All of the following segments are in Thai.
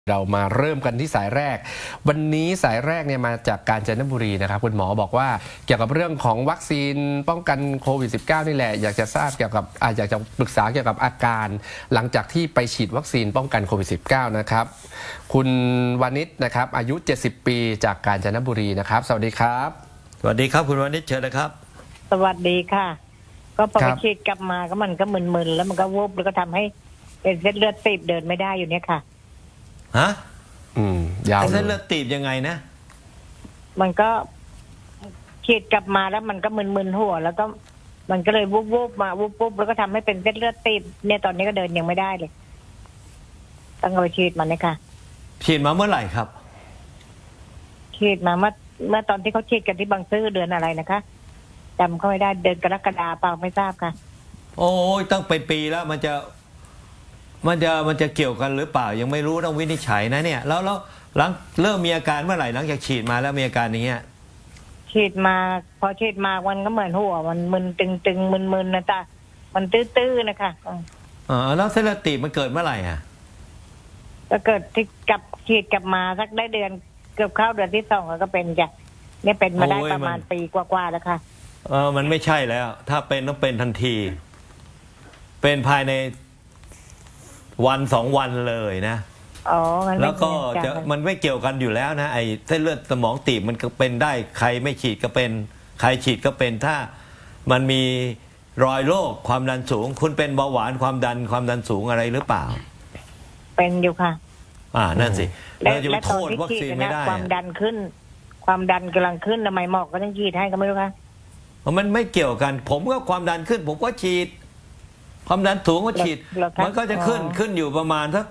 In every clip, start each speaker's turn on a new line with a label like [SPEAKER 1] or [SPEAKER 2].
[SPEAKER 1] เรามาเริ่มกันที่สายแรกวันนี้สายแรกเนี่ยมาจากกาญจนบุรีนะครับคุณหมอบอกว่าเกี่ยวกับเรื่องของวัคซีนป้องกันโควิด -19 นี่แหละอยากจะทราบเกี่ยวกับอยากจะปรึกษาเกี่ยวกับอาการหลังจากที่ไปฉีดวัคซีนป้องกันโควิด -19 นะครับคุณวานิชนะครับอายุ70ปีจากกาญจนบุรีนะครับสวัสดีครับ
[SPEAKER 2] สวัสดีครับคุณวานิชเชิญนะครับ
[SPEAKER 3] สวัสดีค่ะก็พอไปฉีดกลับมาก็มันก็มึนๆแล้วมันก็วูบแล้วก็ทำให้เป็นเส้นเลือดตีบเดินไม่ได้อยู่เนี่ยค่ะ
[SPEAKER 2] ฮะ
[SPEAKER 1] ยาว
[SPEAKER 2] เส้นเลือดตีบยังไงนะ
[SPEAKER 3] มันก็ฉีดกลับมาแล้วมันก็มึนๆหัวแล้วก็มันก็เลยวูบๆมาวูบๆแล้วก็ทำให้เป็นเส้นเลือดตีบเนี่ยตอนนี้ก็เดินยังไม่ได้เลยต้องเอาไปฉีดมันเลยค่ะ
[SPEAKER 2] ฉีดมาเมื่อไหร่ครับ
[SPEAKER 3] ฉีดมาเมื่อตอนที่เขาฉีดกันที่บางซื่อเดือนอะไรนะคะจำเขาไม่ได้เดือนกรกฎาคมเปล่าไม่ทราบค่ะ
[SPEAKER 2] โอ้ยตั้งเป็นปีแล้วมันจะเกี่ยวกันหรือเปล่ายังไม่รู้ต้องวินิจฉัยนะเนี่ยแล้วหลังเริ่มมีอาการเมื่อไหร่หลังจากฉีดมาแล้วมีอาการอย่างเงี้ย
[SPEAKER 3] ฉีดมาพอฉีดมามันก็เหมือนหัวมันมึนตึงๆมึนๆนะจ๊ะมันตื้อๆนะคะ
[SPEAKER 2] แล้วเส้นเลือดตีบมันเกิดเมื่อไหร่อ่ะ
[SPEAKER 3] ก็เกิดที่กับฉีดกลับมาสักได้เดือนเกือบเข้าเดือนที่2แล้วก็เป็นจ้ะเนี่ยเป็นมาได้ประมาณปีกว่าๆแล้วค่ะ
[SPEAKER 2] มันไม่ใช่แล้วถ้าเป็นต้องเป็นทันทีเป็นภายในวัน2 วันเลยนะแล้วก็จะมันไม่เกี่ยวกันอยู่แล้วนะไอ้เส้นเลือดสมองตีบมันก็เป็นได้ใครไม่ฉีดก็เป็นใครฉีดก็เป็นถ้ามันมีรอยโรคความดันสูงคุณเป็นเบาหวานความดันสูงอะไรหรือเปล่า
[SPEAKER 3] เป็นอยู่ค่ะ
[SPEAKER 2] นั่นสิเราจะไปโทษวัคซีนไม่ได้
[SPEAKER 3] ความดันขึ้นความดันกำลังขึ้นทำไมหมอก็ต้องฉีดให้ก็ไม่รู้ค่ะ
[SPEAKER 2] มันไม่เกี่ยวกันผมก็ความดันขึ้นผมก็ฉีดความดันสูงก็ฉีดมันก็จะขึ้นอยู่ประมาณสัก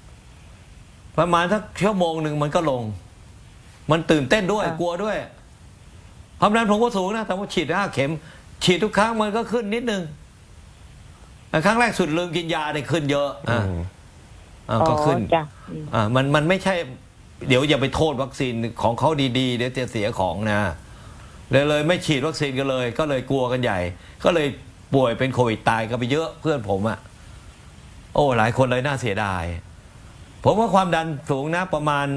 [SPEAKER 2] ชั่วโมงหนึ่งมันก็ลงมันตื่นเต้นด้วยกลัวด้วยความดันผมก็สูงนะแต่ว่าฉีด5 เข็มฉีดทุกครั้งมันก็ขึ้นนิดนึงครั้งแรกสุดลืมกินยาได้ขึ้นเยอะก็ขึ้นมันไม่ใช่เดี๋ยวอย่าไปโทษวัคซีนของเขาดีๆเดี๋ยวจะเสียของนะเลยไม่ฉีดวัคซีนกันเลยก็เลยกลัวกันใหญ่ก็เลยป่วยเป็นโควิดตายกันไปเยอะเพื่อนผมหลายคนเลยน่าเสียดายผมว่าความดันสูงนะประมาณ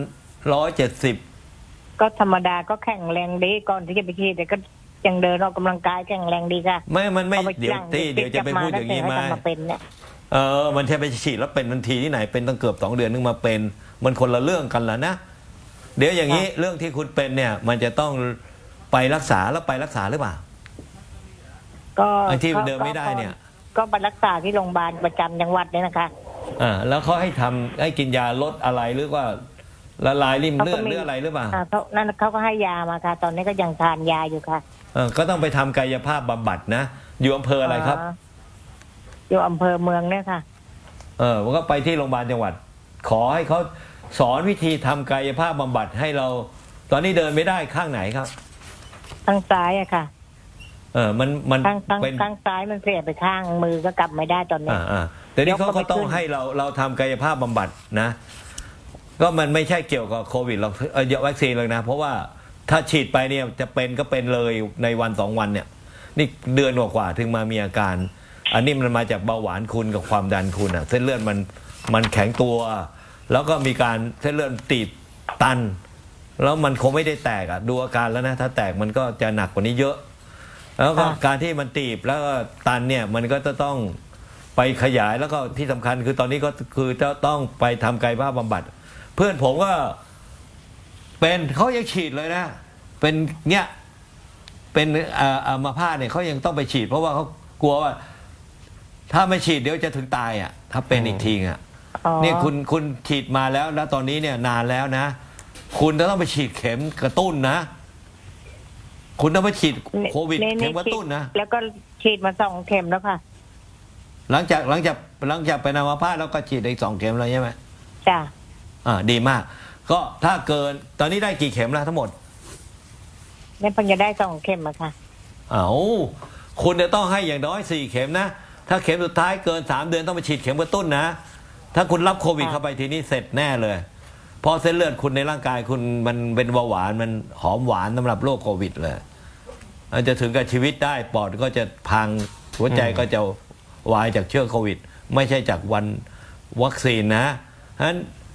[SPEAKER 2] 170
[SPEAKER 3] ก็ธรรมดาก็แข็งแรงดีก่อนที่จะไปฉีดแต่ก็ยังเดินออกกำลังกายแข็งแรงดีค่ะ
[SPEAKER 2] มันไม่เดี๋ยวจะไปพูดอย่างนี้มามันแค่ไปฉีดแล้วเป็นทันทีที่ไหนเป็นตั้งเกือบ2 เดือนนึงมาเป็นมันคนละเรื่องกันแล้วนะเดี๋ยวอย่างนี้เรื่องที่คุณเป็นเนี่ยมันจะต้องไปรักษาแล้วไปรักษาหรือเปล่า
[SPEAKER 3] ก็
[SPEAKER 2] ที่เดินไม่ได้เนี่ย
[SPEAKER 3] ก็ไปรักษาที่โรงพยาบาลประจำจังหวัดเนี่ยนะคะ
[SPEAKER 2] แล้วเขาให้กินยาลดอะไรหรือว่าละลายริ่มเลือดหรืออะไรหรือเปล่า
[SPEAKER 3] นั่นเขาก็ให้ยามาค่ะตอนนี้ก็ยังทานยาอยู่ค่ะ
[SPEAKER 2] ก็ต้องไปทำกายภาพบำบัดนะอยู่อำเภออะไรครับ
[SPEAKER 3] อยู่อำเภอเมืองเนี่ยค่ะ
[SPEAKER 2] มันก็ไปที่โรงพยาบาลจังหวัดขอให้เขาสอนวิธีทำกายภาพบำบัดให้เราตอนนี้เดินไม่ได้ข้างไหนครับ
[SPEAKER 3] ข้างซ้ายอะค่ะ
[SPEAKER 2] มัน
[SPEAKER 3] เป็นข้างซ้ายมันเสียไปข้างมือก็กลับไม่ได้ตอนนี้
[SPEAKER 2] แต่นี่เขาก็ต้องให้เราทำกายภาพบำบัดนะก็มันไม่ใช่เกี่ยวกับโควิดเราวัคซีนเลยนะเพราะว่าถ้าฉีดไปเนี่ยจะเป็นก็เป็นเลยในวัน2 วันเนี่ยนี่เดือนกว่าถึงมามีอาการอันนี้มันมาจากเบาหวานคุณกับความดันคุณเส้นเลือดมันแข็งตัวแล้วก็มีการเส้นเลือดตีบตันแล้วมันคงไม่ได้แตกดูอาการแล้วนะถ้าแตกมันก็จะหนักกว่านี้เยอะแล้วก็การที่มันตีบแล้วก็ตันเนี่ยมันก็จะต้องไปขยายแล้วก็ที่สำคัญคือตอนนี้ก็คือจะต้องไปทำกายภาพบำบัดเพื่อนผมก็เป็นเขายังฉีดเลยนะเป็นเนี่ยเป็นอัมพาตเนี่ยเขายังต้องไปฉีดเพราะว่าเขากลัวว่าถ้าไม่ฉีดเดี๋ยวจะถึงตายถ้าเป็นอีกทีนี่คุณฉีดมาแล้วตอนนี้เนี่ยนานแล้วนะคุณจะต้องไปฉีดเข็มกระตุ้นนะคุณต้องไปฉีดโควิดเข็มกระตุ้นนะ
[SPEAKER 3] แล้วก็ฉีดมา2 เข็มแล้วค่ะ
[SPEAKER 2] หลังจากเป็นอัมพาตแล้วก็ฉีดอีก2 เข็มแล้วใช่ไหม
[SPEAKER 3] จ้ะ
[SPEAKER 2] ดีมากก็ถ้าเกินตอนนี้ได้กี่เข็มแล้วทั้งหมด
[SPEAKER 3] เนี่ยเพิ่งจะได้2 เข็มอะค่ะ
[SPEAKER 2] คุณจะต้องให้อย่างน้อย4 เข็มนะถ้าเข็มสุดท้ายเกิน3 เดือนต้องไปฉีดเข็มกระตุ้นนะถ้าคุณรับโควิดเข้าไปทีนี้เสร็จแน่เลยเพราะเส้นเลือดคุณในร่างกายคุณมันเป็นเบาหวานมันหอมหวานสำหรับโรคโควิดเลยมันจะถึงกับชีวิตได้ปอดก็จะพังหัวใจก็จะวายจากเชื้อโควิดไม่ใช่จากวันวัคซีนนะฉะนั้น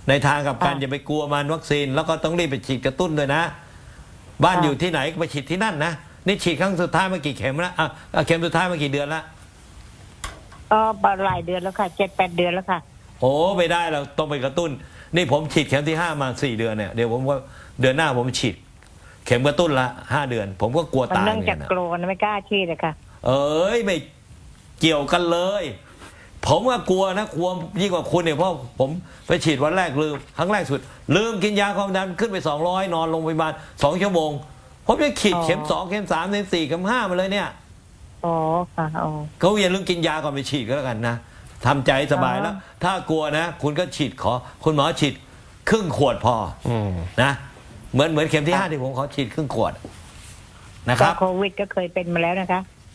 [SPEAKER 2] ในทางกับการ
[SPEAKER 3] ค่ะ
[SPEAKER 2] อย่าไปกลัวมันวัคซีนแล้วก็ต้องรีบไปฉีดกระตุ้นด้วยนะ บ้าน
[SPEAKER 3] ค่ะ
[SPEAKER 2] อยู่ที่ไหนก็ไปฉีดที่นั่นนะนี่ฉีดครั้งสุดท้ายมากี่เข็มแล้วเข็มสุดท้ายมากี่เดือนละ
[SPEAKER 3] ก็หลายเดือนแล้วค่ะ7-8 เดือนแล้วค่ะ
[SPEAKER 2] โอ้ไม่ได้เราต้องไปกระตุ้น นี่ผมฉีดเข็มที่ 5 มา 4 เดือนเนี่ยเดี๋ยวผมก็เดือนหน้าผมฉีด เข็มกระตุ้นละ 5 เดือน ผมก็กลัว
[SPEAKER 3] มัน
[SPEAKER 2] ตาย
[SPEAKER 3] เนื่อง
[SPEAKER 2] เหมือน
[SPEAKER 3] จา
[SPEAKER 2] กั
[SPEAKER 3] ก
[SPEAKER 2] นนะ
[SPEAKER 3] กลัวนะไม่กล้าฉีดเลยค่ะ
[SPEAKER 2] เอ้ยไม่เกี่ยวกันเลย ผมก็กลัวนะกลัวยิ่งกว่าคุณเนี่ยเพราะผมไปฉีดวันแรกลืมครั้งแรกสุด ลืมกินยาความดันขึ้นไป200นอนโรงพยาบาล2 ชั่วโมงผมจะขีดเข็ม 2 เข็ม 3 เข็ม 4 เข็ม 5มาเลยเนี่ย
[SPEAKER 3] อ๋อค่ะอ๋อ
[SPEAKER 2] เขาอย่าลืมกินยาก่อนไปฉีดก็แล้วกันนะทำใจให้สบาย
[SPEAKER 3] อ๋อ
[SPEAKER 2] แล้ว ถ้ากลัวนะ คุณก็ฉีดคุณหมอฉีดครึ่งขวดพอ
[SPEAKER 1] อืม
[SPEAKER 2] นะเหมือนเข็มที่ 5 ที่ผมขอฉีดครึ่งขวดนะค
[SPEAKER 3] ก็
[SPEAKER 2] รับ
[SPEAKER 3] โควิดก็เคยเป็นมาแล้วนะคะ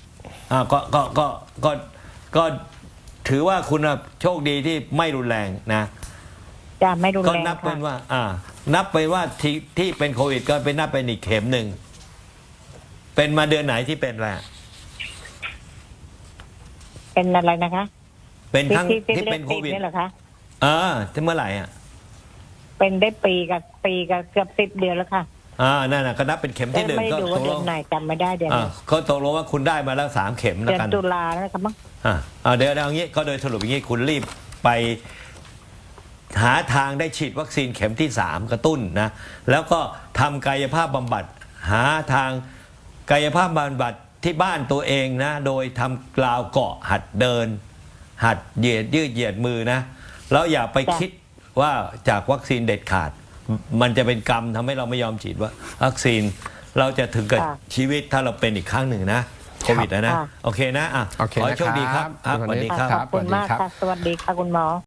[SPEAKER 2] ก็ถือว่าคุณน่ะโชคดีที่ไม่รุนแรงนะ
[SPEAKER 3] จะไม่รุน
[SPEAKER 2] ก็
[SPEAKER 3] แรง
[SPEAKER 2] นับเป็
[SPEAKER 3] ค่ะ
[SPEAKER 2] นว่า นับไปว่าที่เป็นโควิดก็เป็นนับเป็นอีกเข็มหนึ่งเป็นมาเดือนไหนที่เป็นอะไร
[SPEAKER 3] เป็นอะไรนะคะ
[SPEAKER 2] เป็นครั้ง
[SPEAKER 3] ที่
[SPEAKER 2] ที่
[SPEAKER 3] เลื
[SPEAKER 2] เป็
[SPEAKER 3] อด
[SPEAKER 2] นโค
[SPEAKER 3] ติด
[SPEAKER 2] วิด
[SPEAKER 3] นี่เหรอคะ
[SPEAKER 2] ที่เมื่อไหร่อ่ะ
[SPEAKER 3] เป็นได้ปีกับเกือบ10 เดือนแล้วค่ะ
[SPEAKER 2] นั่นน่ะก็นับเป็นเข็ม
[SPEAKER 3] แต่
[SPEAKER 2] ที่หนึ่ง
[SPEAKER 3] ไม่
[SPEAKER 2] ก็
[SPEAKER 3] ดู
[SPEAKER 2] ต
[SPEAKER 3] ว่าก
[SPEAKER 2] ล
[SPEAKER 3] เดือน
[SPEAKER 2] ง
[SPEAKER 3] ไหนจำไม่ได้เดือนไหน
[SPEAKER 2] ก็ตกลงว่าคุณได้มาแล้ว3 เข็มแล้ว
[SPEAKER 3] เดือน
[SPEAKER 2] กัน
[SPEAKER 3] ตุลาแล้วนะครับมั้ง
[SPEAKER 2] เดี๋ยวอย่างนี้ก็โดยสรุปอย่างนี้คุณรีบไปหาทางได้ฉีดวัคซีนเข็มที่ 3 กระตุ้นนะแล้วก็ทำกายภาพบำบัดหาทางกายภาพบำบัดที่บ้านตัวเองนะโดยทำกลาวเกาะหัดเดิน หัดยืดเหยียดมือนะแล้วอย่าไปคิดว่าจากวัคซีนเด็ดขาด มันจะเป็นกรรมทำให้เราไม่ยอมฉีดวัคซีนเราจะถึงกับชีวิตถ้าเราเป็นอีกครั้งหนึ่งนะโควิดนะโอเคนะ
[SPEAKER 1] โอเค
[SPEAKER 2] ขอให้
[SPEAKER 1] นะ
[SPEAKER 2] โชคดีครับ
[SPEAKER 1] คุณ
[SPEAKER 2] สวัสดี
[SPEAKER 1] ธเนศ
[SPEAKER 2] ครับ
[SPEAKER 3] ขอบคุณมากค่ะ สวัสดีค่ะคุณหมอ